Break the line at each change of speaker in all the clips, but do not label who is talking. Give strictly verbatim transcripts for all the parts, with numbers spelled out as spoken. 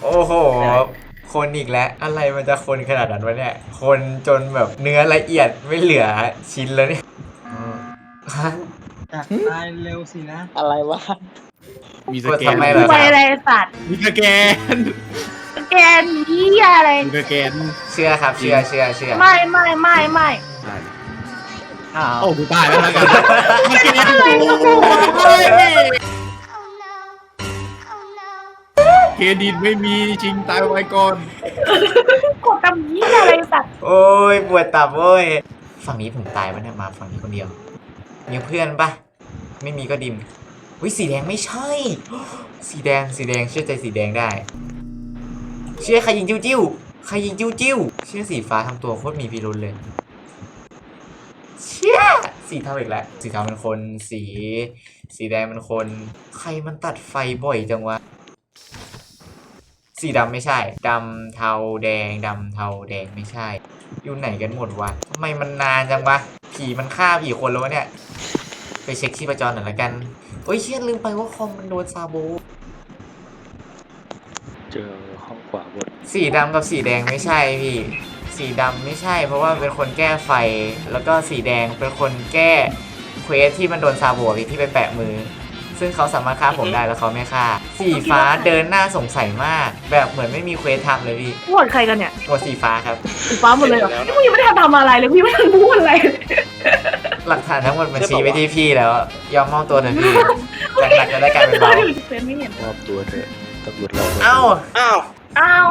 โอ้โหคนอีกแล้วอะไรมันจะคนขนาดนั้นวะเนี่ยคนจนแบบเนื้อละเอียดไม่เหลือชิ้นแล้วเนี่ย
อยากตายเร็วสินะ
อะไรวะ
มีส
กด
แกน
ทำไมเหรอ
ไป
ครับ
อะไรสัตว์
มีสแกน
แกนเหี้ยอะไร
มีสแกน
เชื่อครับเชื่อเชื่อเชื่อ
ไม่ไม่ไม่ไม่
อ้าว
โอ้กูตายแล้วแล้วกันสแกนเครดิตไม่มีชิงตายไว้ก่อน
กดทำเหี้ยอะไรสัตว์
โอ้ยปวดตับโอ้ยฝั่งนี้ผมตายปะเนี่ยมาฝั่งนี้คนเดียวมีเพื่อนปะไม่มีก็ดิมวิสีแดงไม่ใช่ สีแดงสีแดงเชื่อใจสีแดงได้เชื่อใครยิงจิ้วจิ้วใครยิงจิ้วจิ้วเชื่อสีฟ้าทำตัวโคตรมีพิรุธเลยเชื่อสีเทาอีกแล้วสีเทาเป็นคนสี สีแดงเป็นคนใครมันตัดไฟบ่อยจังวะสีดำไม่ใช่ดำเทาแดงดำเทาแดงไม่ใช่อยู่ไหนกันหมดวะทำไมมันนานจังวะผีมันฆ่าผีคนแล้ววะเนี่ยไปเช็คชีพจรหน่อยละกันโอ้ยเชี่ยลืมไปว่าคอมมันโดนซาโบ
เจอห้องขวาบน
สีดำกับสีแดงไม่ใช่พี่สีดำไม่ใช่เพราะว่าเป็นคนแก้ไฟแล้วก็สีแดงเป็นคนแก้เควสที่มันโดนซาโบพี่ที่ไปแปะมือซึ่งเขาสามารถฆ่าผมได้แล้วเขาไม่ฆ่าสีฟ้าเดินหน้าสงสัยมากแบบเหมือนไม่มีเควสทำเลยพี่
โหวตใครกันเนี่ย
หมดสีฟ้าครับ
สีฟ้าหมดเลยเหรอนี่มึงยังไม่ได้ทำอะไรเลยกูยังไม่ทันพูดอะไรเลย
หลักฐานทั้งหมดมันชี้ไปที่พี่แล้วยอมมอบตัวเถอะพี่จากหนักจะได้กลายเป็นเบา
เฟซไม่เห็น
มอบตัวเถอะตำรวจเรา
เอ้า
อ้าว
อ้าว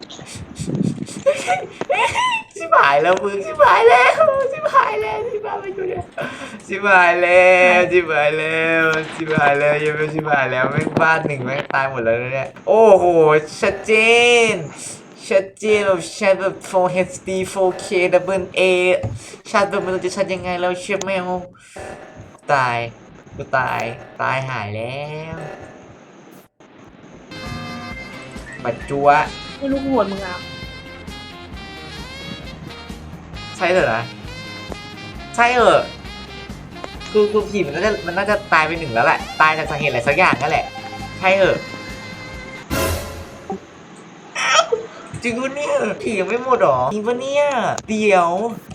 ชิบหายแล้วมึงชิบหายแล้วชิบหายแล้วชิบหายไปอยู่เนี่ยชิบหายแล้วชิบหายแล้วชิบหายแล้วยังไม่ชิบหายแล้วแม่งบ้านหนึ่งแม่งตายหมดแล้วนะเนี่ยโอ้โหชัดเจนชัดเจนแบบชัดแบบ โฟร์ เอช ดี โฟร์ เค Double A ชัดแบบมันจะชัดยังไงแล้วเชื่อแมวตายกูตายตายหายแล้วปัจจุบัน
ไม่รู้กูโหวตมึงอ่ะ
ใช่เหรอนะใช่เหรอคือคือผีมันน่าจะมันน่าจะตายไปหนึ่งแล้วแหละตายจากสาเหตุอะไรสักอย่างนั่นแหละใช่เหรออ้าวจริงปะเนี่ยผียังไม่หมดหรอจริงปะเนี่ยเดี๋ยว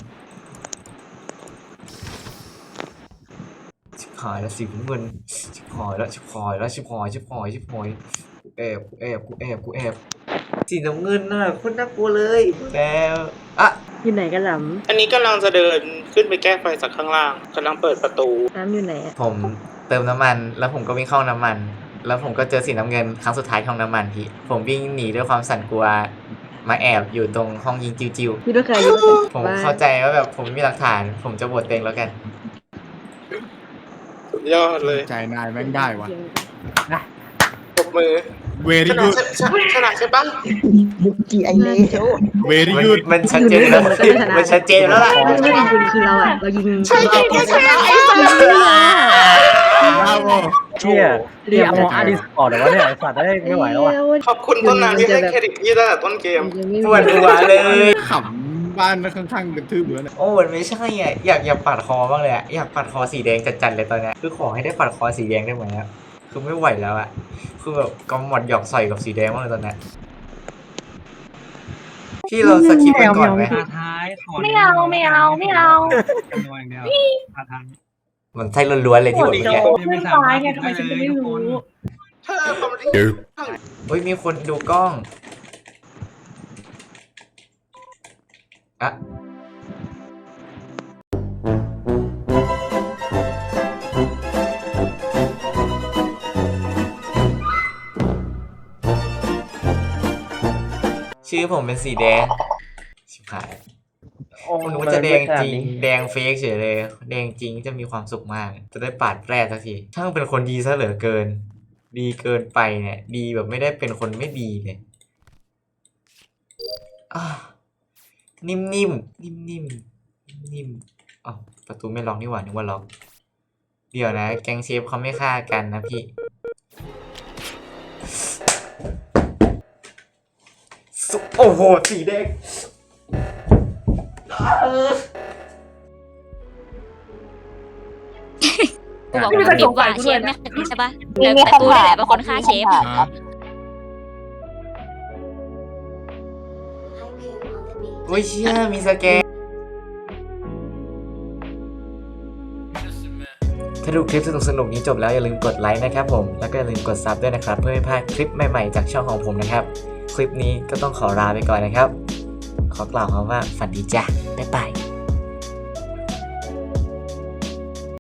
ชิบหายแล้วสิเงินชิบหายแล้วชิบหายแล้วชิบหายชิบหายชิบหายกูแอบกูแอบกูแอบกูแอบสีน้ำเงินน่ะโคตรน่ากลัวเลยแล้วอ่ะ
อยู่ไหนกันหล
อันนี้กำลังจะเดินขึ้นไปแก้ไฟจากข้างล่างกำลังเปิดประตู
ำน้ำอยู่ไหนอะ
ผมเติมน้ำมันแล้วผมก็วิ่งเข้าน้ำมัน แล้วผมก็เจอสีน้ำเงินครั้งสุดท้ายของน้ำมันพี่ผมวิ่งหนีด้วยความสั่นกลัวมาแอบอยู่ตรงห้องยิงจิวจิว
อยู่ด้วยใครอยู่ด้วยใคร
ผมเข้าใจว่าแบบผมไม่มีหลักฐาน ผมจะบทเต็งแล้วกัน
สุดยอดเลย
ใจนายแม่งได้วะ
ปรบมือ
เว
ช
รี่
นะ
ยูด
ใช่ชนะใช่ปะ
ยุกิไอเลว
เวรี่
มัน
ยูด
มันชัดเจนแล้วมันชัดเจนแล้วล่ะ
ไม่ไม่ยิงคือเราอ่ะเรายิง
ใช่ใช่ใช่ใช่
บราโว
เชี่ยเรียกมออาร์ดิสออกแต่ว่าเนี่ยไอ้สัตว์ได้ไม่ไหวแล้วอ่ะ
ขอบคุณต้นน้ำที่ให้เครดิตยี่ตั้งแต่ต้นเกม
ปวดหัวเลย
ขำบ้านข้างๆกระทืบเหมือน
โอ้มันไม่ใช่อ่ะอยากอยากปัดคอบ้างเลยอ่ะอยากปัดคอสีแดงจัดๆเลยตอนเนี้ยคือขอให้ได้ปัดคอสีแดงได้ไหมอ่ะคือไม่ไหวแล้วอ่ะคือแบบกำหมดหยอกใส่กับสีแดงมากเลยตอนเนี้ยพี่เราสกิปไปก่อนไหม
ท้าท้ายขอ
ไม่เอาไม่เอาไม่เอา
จำนวนอย่างเดียวท้าทาย
มันใช่ล้วนๆเลยที่
โหว
บ
ต
อก
โจ
เนี้ย
เพื่อนตายไงทำไมฉันจะไม่รู้
เธอคอมเมดี้
เฮ้ยมีคนดูกล้องอะชื่อผมเป็นสีแดงชิบหายผมนึกว่าจะแดงจริงแดงเฟกเฉยเลยแดงจริงจะมีความสุขมาก จะได้ปาดแปรสักทีช่างเป็นคนดีซะเหลือเกิน ดีเกินไปเนี่ย ดีแบบไม่ได้เป็นคนไม่ดีเลยอ่ะนิ่มๆนิ่มๆนิ่มๆอ๋อประตูไม่ล็อกนี่หว่านึกว่าล็อกเดี๋ยวนะแก๊งเชฟเขาไม่ฆ่ากันนะพี่สุโอ้โหสีแดงเออ
กูบอกว่าคิดว่าเชฟไม่ใช่ปะแต่แต่กูนี่แหละเป็นคนฆ่าเชฟ
โอ้ยเชี่ยมีสแกนถ้าดูคลิปสนุกๆนี้จบแล้วอย่าลืมกดไลค์นะครับผมแล้วก็อย่าลืมกดซับด้วยนะครับเพื่อไม่พลาดคลิปใหม่ๆจากช่องของผมนะครับคลิปนี้ก็ต้องขอลาไปก่อนนะครับขอกล่าวคำว่าฝันดีจ้ะบ๊ายบาย